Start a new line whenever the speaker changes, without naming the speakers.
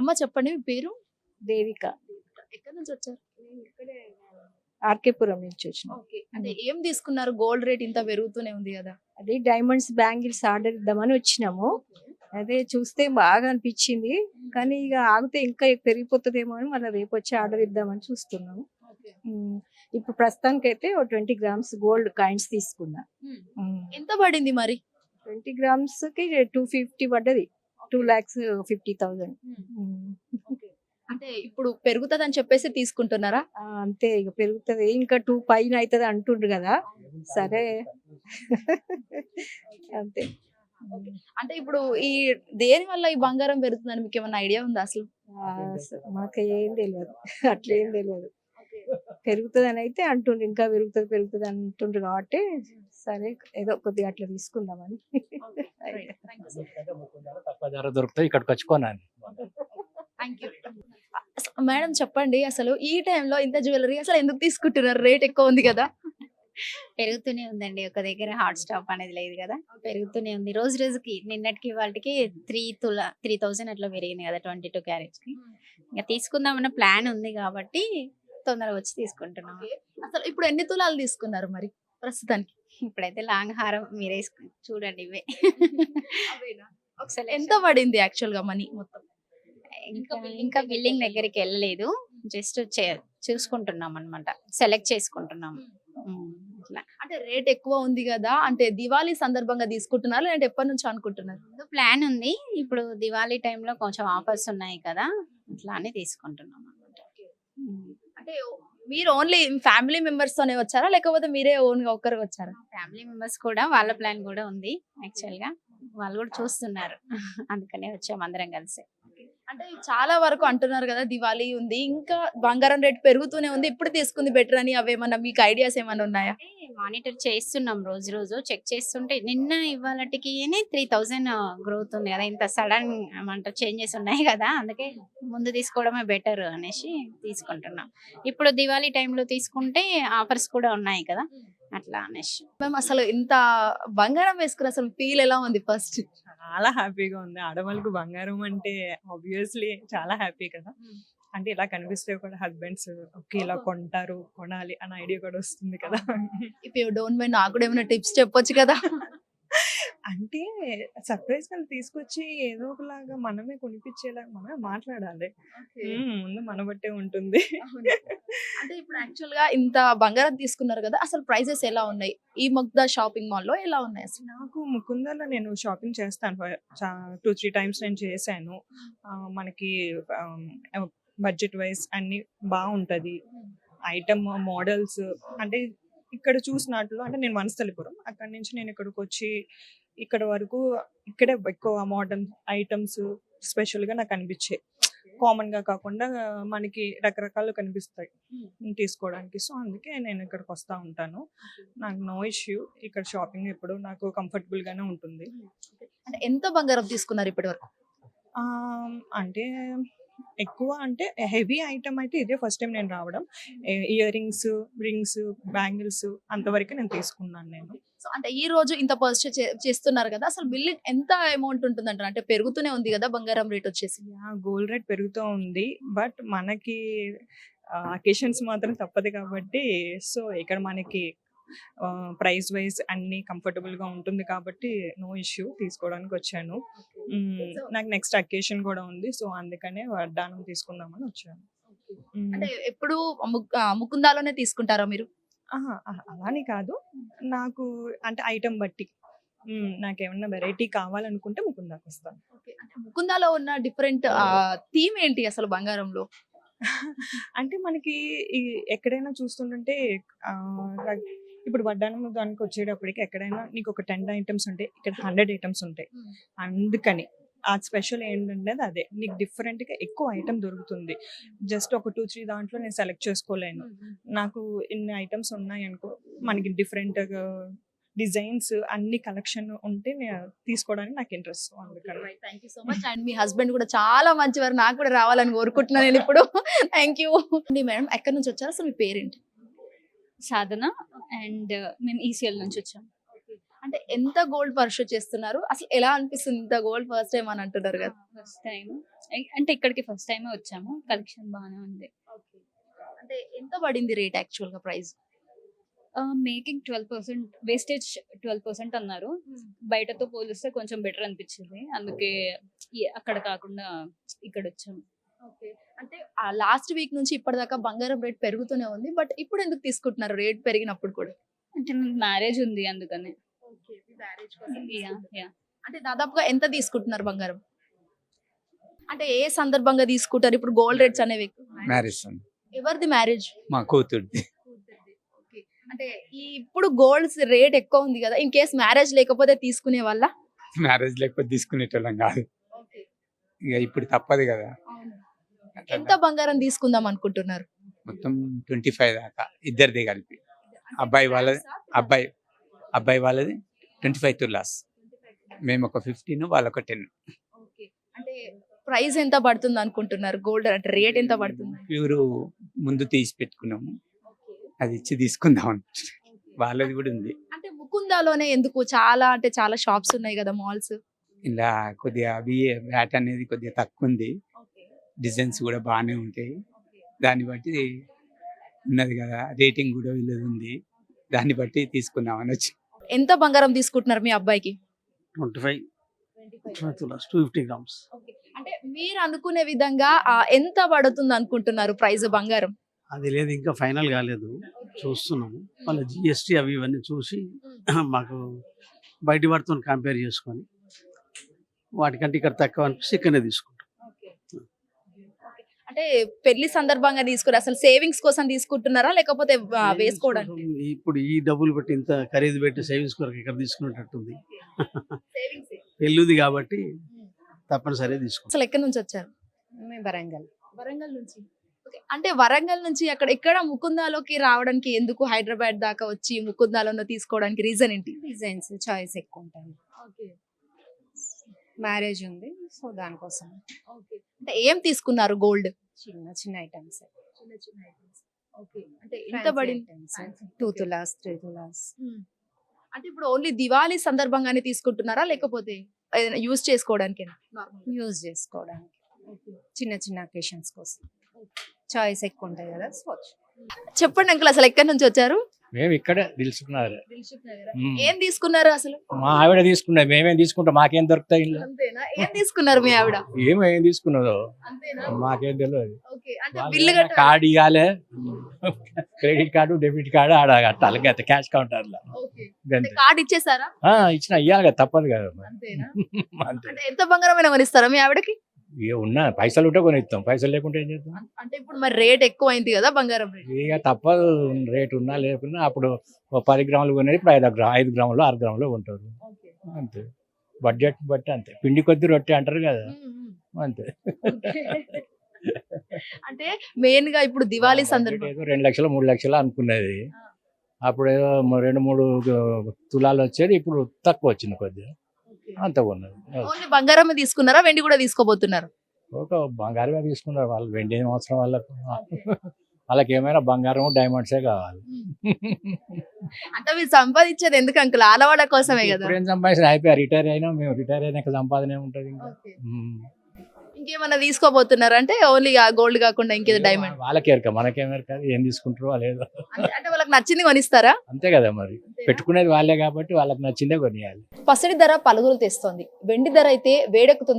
అమ్మ చెప్పండి మీ పేరు?
దేవిక.
ఎక్కడి నుంచి వచ్చారు?
ఇక్కడే ఆర్కేపురం నుంచి వచ్చిన.
ఓకే. అంటే ఏం తీసుకున్నారు? గోల్డ్ రేట్ ఇంత పెరుగుతూనే ఉంది కదా.
అది డైమండ్స్ బ్యాంగిల్స్ ఆర్డర్ ఇద్దామని వచ్చినాము. అదే చూస్తే బాగా అనిపించింది, కానీ ఇక ఆగితే ఇంకా పెరిగిపోతుందేమో అని మళ్ళీ రేపు వచ్చి ఆర్డర్ ఇద్దామని చూస్తున్నాము. ఇప్పుడు ప్రస్తుతానికైతే 20 గ్రామ్స్ గోల్డ్ కాయిన్స్ తీసుకున్నా.
ఎంత పడింది మరి?
20 గ్రామ్స్ కి 250 పడ్డది. 2,50,000.
అంటే ఇప్పుడు పెరుగుతుందని చెప్పేసి తీసుకుంటున్నారా?
అంతే, ఇక పెరుగుతుంది, ఇంకా 2 పైన అవుతుంది అంటుండ్రు కదా. సరే అంతే.
అంటే ఇప్పుడు ఈ దేని వల్ల ఈ బంగారం పెరుగుతుందని మీకు ఏమైనా ఐడియా ఉందా అసలు?
మాకు ఏం తెలియదు, అట్లేం తెలియదు. పెరుగుతుంది అని అయితే అంటుండ్రు, ఇంకా పెరుగుతుంది అంటుండ్రు కాబట్టి సరే ఏదో కొద్దిగా అట్లా తీసుకుందామని.
తక్కువ ధర దొరుకుతాయి, ఇక్కడికి వచ్చుకోనాను.
మేడం చెప్పండి, అసలు ఈ టైంలో ఇంత జ్యువెలరీ అసలు ఎందుకు తీసుకుంటున్నారు? రేట్ ఎక్కువ ఉంది కదా.
పెరుగుతూనే ఉందండి, ఒక దగ్గర హాట్ స్టాప్ అనేది లేదు కదా, పెరుగుతూనే ఉంది. రోజు రోజుకి నిన్నటికి వాళ్ళకి 3,000 అట్లా పెరిగింది కదా 22 క్యారెట్స్ కి. ఇంకా తీసుకుందామన్న ప్లాన్ ఉంది కాబట్టి తొందరగా వచ్చి తీసుకుంటున్నాం.
అసలు ఇప్పుడు ఎన్ని తులాలు తీసుకున్నారు మరి ప్రస్తుతానికి?
ఇప్పుడైతే లాంగ్ హారం మీరే చూడండి, ఇవే.
ఒకసారి ఎంత పడింది యాక్చువల్ గా మనీ మొత్తం?
ఇంకా బిల్లింగ్ దగ్గరికి వెళ్ళలేదు, జస్ట్ చూసుకుంటున్నాం అన్నమాట, సెలెక్ట్ చేసుకుంటున్నాం.
అంటే రేట్ ఎక్కువ ఉంది కదా, అంటే దివాళీ సందర్భంగా తీసుకుంటున్నారు లేదంటే ఎప్పటి నుంచి అనుకుంటున్నారు?
ప్లాన్ ఉంది, ఇప్పుడు దివాళీ టైంలో కొంచెం ఆఫర్స్ ఉన్నాయి కదా, అట్లా అని తీసుకుంటున్నాం అన్నమాట.
అంటే మీరు ఓన్లీ ఫ్యామిలీ మెంబర్స్ తోనే వచ్చారా లేకపోతే మీరే ఓన్ గా ఒక్కరు వచ్చారా?
ఫ్యామిలీ మెంబర్స్ కూడా, వాళ్ళ ప్లాన్ కూడా ఉంది యాక్చువల్ గా, వాళ్ళు కూడా చూస్తున్నారు, అందుకనే వచ్చాము అందరం కలిసి.
అంటే చాలా వరకు అంటున్నారు కదా దివాళీ ఉంది, ఇంకా బంగారం రేట్ పెరుగుతూనే ఉంది, ఇప్పుడు తీసుకుంది బెటర్ అని, అవేమన్నా మీకు ఐడియాస్ ఏమైనా ఉన్నాయా?
మానిటర్ చేస్తున్నాం, రోజు రోజు చెక్ చేస్తుంటే నిన్న ఇవాళకి 3,000 గ్రోత్ ఉంది కదా, ఇంత సడన్ ఏమంటారు చేంజెస్ ఉన్నాయి కదా, అందుకే ముందు తీసుకోవడమే బెటర్ అనేసి తీసుకుంటున్నాం. ఇప్పుడు దివాళీ టైంలో తీసుకుంటే ఆఫర్స్ కూడా ఉన్నాయి కదా, అట్లా అనేసి.
మేము అసలు ఇంత బంగారం వేసుకుని అసలు ఫీల్ ఎలా ఉంది? ఫస్ట్
చాలా హ్యాపీగా ఉంది. ఆడవాళ్ళకు బంగారం అంటే ఆబ్వియస్లీ చాలా హ్యాపీ కదా. అంటే ఇలా కనిపిస్తే కూడా హస్బెండ్స్ ఓకే ఇలా కొంటారు, కొనాలి అన్న ఐడియా కూడా వస్తుంది కదా.
ఇఫ్ యూ డోంట్ మైండ్ నాకు కూడా ఏమైనా టిప్స్ చెప్పొచ్చు కదా.
అంటే సర్ప్రైజ్ గా తీసుకొచ్చి ఏదో ఒకలాగా మనమే కొనిపించేలాగా మనమే మాట్లాడాలి. ముందు మన బట్టే ఉంటుంది.
అంటే ఇప్పుడు యాక్చువల్ గా ఇంత బంగారం తీసుకున్నారు కదా, అసలు ప్రైసెస్ ఎలా ఉన్నాయి ఈ ముగ్ధా షాపింగ్ మాల్ లో? ఎలా ఉన్నాయి అసలు?
నాకు ముకుందలో నేను షాపింగ్ చేస్తాను, 2-3 టైమ్స్ నేను చేశాను. మనకి బడ్జెట్ వైజ్ అన్ని బాగుంటది. ఐటమ్ మోడల్స్ అంటే ఇక్కడ చూసినట్లు, అంటే నేను వనస్థలిపురం, అక్కడ నుంచి నేను ఇక్కడికి వచ్చి ఇక్కడ వరకు ఇక్కడే ఎక్కువ మోడర్న్ ఐటమ్స్ స్పెషల్ గా నాకు అనిపించాయి. కామన్ గా కాకుండా మనకి రకరకాలు కనిపిస్తాయి తీసుకోవడానికి. సో అందుకే నేను ఇక్కడికి వస్తూ ఉంటాను. నాకు నో ఇష్యూ, ఇక్కడ షాపింగ్ ఎప్పుడు నాకు కంఫర్టబుల్ గానే ఉంటుంది.
అంటే ఎంత బంగారం తీసుకున్నారు ఇప్పటి వరకు?
అంటే ఎక్కువ అంటే హెవీ ఐటమ్ అయితే ఇదే ఫస్ట్ టైం నేను రావడం. ఇయర్ రింగ్స్, బ్యాంగిల్స్ అంతవరకు నేను తీసుకున్నాను నేను.
సో అంటే ఈ రోజు ఇంత పర్చేస్ చేస్తున్నారు కదా, అసలు బిల్లింగ్ ఎంత అమౌంట్ ఉంటుంది అంటారు? అంటే పెరుగుతూనే ఉంది కదా బంగారం రేట్ వచ్చేసి.
గోల్డ్ రేట్ పెరుగుతూ ఉంది, బట్ మనకి అకేషన్స్ మాత్రం తప్పదు కాబట్టి, సో ఇక్కడ మనకి ప్రైస్ వైజ్ అన్ని కంఫర్టబుల్ గా ఉంటుంది కాబట్టి నో ఇష్యూ, తీసుకోవడానికి వచ్చాను. నాకు నెక్స్ట్ అకేషన్ కూడా ఉంది, సో అందుకనే వడ్డానం తీసుకుందామని వచ్చాను.
అంటే ఎప్పుడు ముకుందాలోనే తీసుకుంటారా మీరు?
అలానే కాదు, నాకు అంటే ఐటమ్ బట్టి నాకేమన్నా వెరైటీ కావాలనుకుంటే ముకుందాకి వస్తాను.
అంటే ముకుందాలో ఉన్న డిఫరెంట్ థీమ్ ఏంటి అసలు బంగారంలో?
అంటే మనకి ఎక్కడైనా చూస్తుంటే ఇప్పుడు వడ్డానం దానికి వచ్చేటప్పటికి ఎక్కడైనా నీకు ఒక 10 ఐటమ్స్ ఉంటాయి, ఇక్కడ 100 ఐటమ్స్ ఉంటాయి. అందుకని ఆ స్పెషల్ ఏంటంటే అదే, నీకు డిఫరెంట్ గా ఎక్కువ ఐటమ్ దొరుకుతుంది. జస్ట్ ఒక 2-3 దాంట్లో నేను సెలెక్ట్ చేసుకోలేను. నాకు ఇన్ని ఐటమ్స్ ఉన్నాయి అనుకో, మనకి డిఫరెంట్ డిజైన్స్ అన్ని కలెక్షన్ ఉంటే నేను తీసుకోవడానికి నాకు ఇంట్రెస్ట్. అందుకని
thank you so much. And మీ హస్బెండ్ కూడా చాలా మంచివారు, నాకు కూడా రావాలని కోరుకుంటున్నాను నేను ఇప్పుడు. Thank you madam. ఎక్కడి నుంచి వచ్చారు అసలు? మీ పేరేంటి?
సాధన, అండ్ మేము ఈసీఎల్ నుంచి వచ్చాం.
అంటే అంటే ఎంత గోల్డ్ పర్చేస్ చేస్తున్నారు? అసలు ఎలా అనిపిస్తుంది ఇంత గోల్డ్ ఫస్ట్ టైం అని అంటున్నారు కదా?
ఫస్ట్ టైం అంటే ఇక్కడికి ఫస్ట్ టైమే వచ్చాము. కలెక్షన్ బాగానే ఉంది.
అంటే ఎంత పడింది రేట్ యాక్చువల్ గా ప్రైస్?
మేకింగ్ 12%, వేస్టేజ్ 12% అన్నారు. బయటతో పోలిస్తే కొంచెం బెటర్ అనిపించింది. అందుకే అక్కడ కాకుండా ఇక్కడ వచ్చాము.
అంటే ఆ లాస్ట్ వీక్ నుంచి ఇప్పటిదాకా బంగారం రేట్ పెరుగుతూనే ఉంది. బట్ ఇప్పుడు ఎందుకు తీసుకుంటున్నారు రేట్ పెరిగినప్పుడు కూడా?
అంటే మ్యారేజ్ ఉంది అందుకని. యా
అంటే దాదాపుగా ఎంత తీసుకుంటున్నారు బంగారం? అంటే ఏ సందర్భంగా తీసుకుంటారు ఇప్పుడు గోల్డ్ రేట్స్ అనేవి?
మ్యారేజ్ ఉంది
ఎవరిది మ్యారేజ్?
మా కూతుర్ది.
అంటే ఈ ఇప్పుడు గోల్డ్ రేట్ ఎక్కువ ఉంది కదా, ఇన్ కేస్ మ్యారేజ్ లేకపోతే తీసుకునే వాళ్ళ?
మ్యారేజ్ లేకపోతే తీసుకునేటోళ్ళం కాదు, ఇక ఇప్పుడు తప్పదు కదా.
ఎంత బంగారం తీసుకుందాం అనుకుంటున్నారు?
మొత్తం 25 దాకా ఇద్దరిది కలిపి. అబ్బాయి వాళ్ళది అబ్బాయి వాళ్ళది 25 తులాస్, మేము ఒక 15, వాళ్ళొక 10.
అంటే ప్రైస్ ఎంత పడుతుంది అనుకుంటున్నారు? గోల్డ్ అంటే రేట్ ఎంత పడుతుంది?
ప్యూర్ ముందు తీసి పెట్టుకున్నాము, అది ఇచ్చి తీసుకుందాం అనుకుంటున్నాం. వాళ్ళది కూడా ఉంది.
అంటే ముకుందాలోనే ఎందుకు? చాలా అంటే చాలా షాప్స్ ఉన్నాయి కదా, మాల్స్.
ఇలా కొద్దిగా అవి వ్యాట్ అనేది కొద్దిగా తక్కువ ఉంది, డిజైన్స్ కూడా బాగానే ఉంటాయి. దాన్ని బట్టి ఉన్నది కదా, రేటింగ్ కూడా వీళ్ళది ఉంది, దాన్ని బట్టి తీసుకుందామని వచ్చి.
ఎంత బంగారం తీసుకుంటున్నారు మీ అబ్బాయికి?
25 తులాస్ 250 గ్రామ్స్.
అంటే మీరు అనుకునే విధంగా ఎంత పడుతుంది అనుకుంటున్నారు ప్రైస్ బంగారం?
అది లేదు, ఇంకా ఫైనల్ కాలేదు, చూస్తున్నాము. వాళ్ళ జిఎస్టీ అవి ఇవన్నీ చూసి మాకు బయట వాటితో కంపేర్ చేసుకొని వాటికంటే ఇక్కడ తక్కువ అనిపిస్తే ఇక్కడనే తీసుకుంటాం.
అంటే పెళ్లి సందర్భంగా తీసుకున్నారు, అసలు సేవింగ్స్ కోసం తీసుకుంటున్నారా లేకపోతే వేసుకోవడానికి?
ఇప్పుడు ఈ డబ్బులు పెట్టి ఇంత ఖరీదు పెట్టి సేవింగ్స్ కొరకు ఇక్కడ తీసుకునేటట్టుంది. పెళ్ళిది కాబట్టి తప్పనిసరిగా తీసుకుంటాం.
అసలు ఎక్కడి నుంచి వచ్చారు? వరంగల్ నుంచి. అంటే వరంగల్ నుంచి ఇక్కడ ముకుందాలోకి రావడానికి ఎందుకు హైదరాబాద్ దాకా వచ్చి ముకుందాలో తీసుకోవడానికి రీజన్ ఏంటి?
డిజైన్స్ చాయిస్ ఎక్కువ ఉంటాయి. మ్యారేజ్ ఉంది, సో దానికోసం.
అంటే ఏం తీసుకున్నారు గోల్డ్?
చిన్న చిన్న ఐటమ్స్.
అంటే ఎంత పడింది?
2 తులాస్ 3 తులాస్.
అంటే ఇప్పుడు ఓన్లీ దివాళీ సందర్భంగానే తీసుకుంటున్నారా లేకపోతే యూజ్ చేసుకోవడానికి?
యూజ్ చేసుకోవడానికి, చిన్న చిన్న అకేషన్స్ కోసం చాయిస్ ఎక్కువ ఉంటాయి కదా. సో
చెప్పండి అంకుల్, అసలు ఎక్కడి నుంచి వచ్చారు?
మేము ఇక్కడే తెలుసుకున్నారు.
ఏం తీసుకున్నారు అసలు?
మా ఆవిడ తీసుకున్నది, మేమేం తీసుకుంటాం, మాకేం దొరుకుతాయి ఇంట్లో.
అంతేనా? ఏం తీసుకున్నారు మీ ఆవిడ?
ఏం తీసుకున్నదో
అంతేనా?
మాకేం తెలియదు.
అంటే బిల్లు కట్టాలి,
కార్డు ఇవ్వాలి, క్రెడిట్ కార్డు డెబిట్ కార్డు ఆడ కట్టాలి, క్యాష్ కౌంటర్ లో.
కార్డు ఇచ్చేసారా?
ఇచ్చిన ఇవ్వాలి కదా, తప్పదు కదా.
అంతేనా?
అంతే.
అంటే ఎంత బంగారం అయినా కొనిస్తారా మీ ఆవిడకి?
ఉన్నా పైసలు ఉంటే కొనిస్తాం, పైసలు లేకుంటే ఏం చేస్తాం?
అంటే ఇప్పుడు మరి రేట్ ఎక్కువ అయింది కదా బంగారం రేట్.
ఇక తప్పదు, రేట్ ఉన్నా లేకున్నా. అప్పుడు 10 గ్రాములు కొనేది ఇప్పుడు 5 గ్రాములు 6 గ్రాములు ఉంటారు, అంతే. బడ్జెట్ బట్టి అంతే, పిండి కొద్ది రొట్టె అంటారు కదా, అంతే.
అంటే మెయిన్ గా ఇప్పుడు దివాళీ సందర్భం
2 లక్షలు 3 లక్షలు అనుకున్నది, అప్పుడు ఏదో 2-3 తులాలు వచ్చేది, ఇప్పుడు తక్కువ వచ్చింది కొద్దిగా, అంత ఉన్నది.
ఓన్లీ బంగారమే తీసుకున్నారా, వెండి కూడా తీసుకోబోతున్నారు?
ఒక బంగారమే తీసుకున్నారు వాళ్ళు, వెండి ఏం అవసరం వాళ్ళకు. వాళ్ళకి ఏమైనా బంగారం డైమండ్సే కావాలి.
అంటే మీరు సంపాదించేది ఎందుకు అంకుల్? ఆడవాళ్ళ కోసమే కదా.
ఏం సంపాదించిన అయిపోయా, రిటైర్ అయినా, మేము రిటైర్ అయినాక సంపాదన ఏముంటది ఇంకా.
ఇంకేమన్నా తీసుకోబోతున్నారు అంటే ఓన్లీ గోల్డ్ కాకుండా ఇంకేదో డైమండ్?
వాళ్ళకి ఎరక, మనకేమెరక, ఏం తీసుకుంటారో లేదు.
అంటే వాళ్ళకి నచ్చింది కొనిస్తారా?
అంతే కదా మరి, పెట్టుకునేది వాళ్ళే కాబట్టి వాళ్ళకి నచ్చిందే కొనియాలి.
పసిడి ధర పలుగులు తెస్తోంది, వెండి ధర అయితే వేడెక్కుతుంది.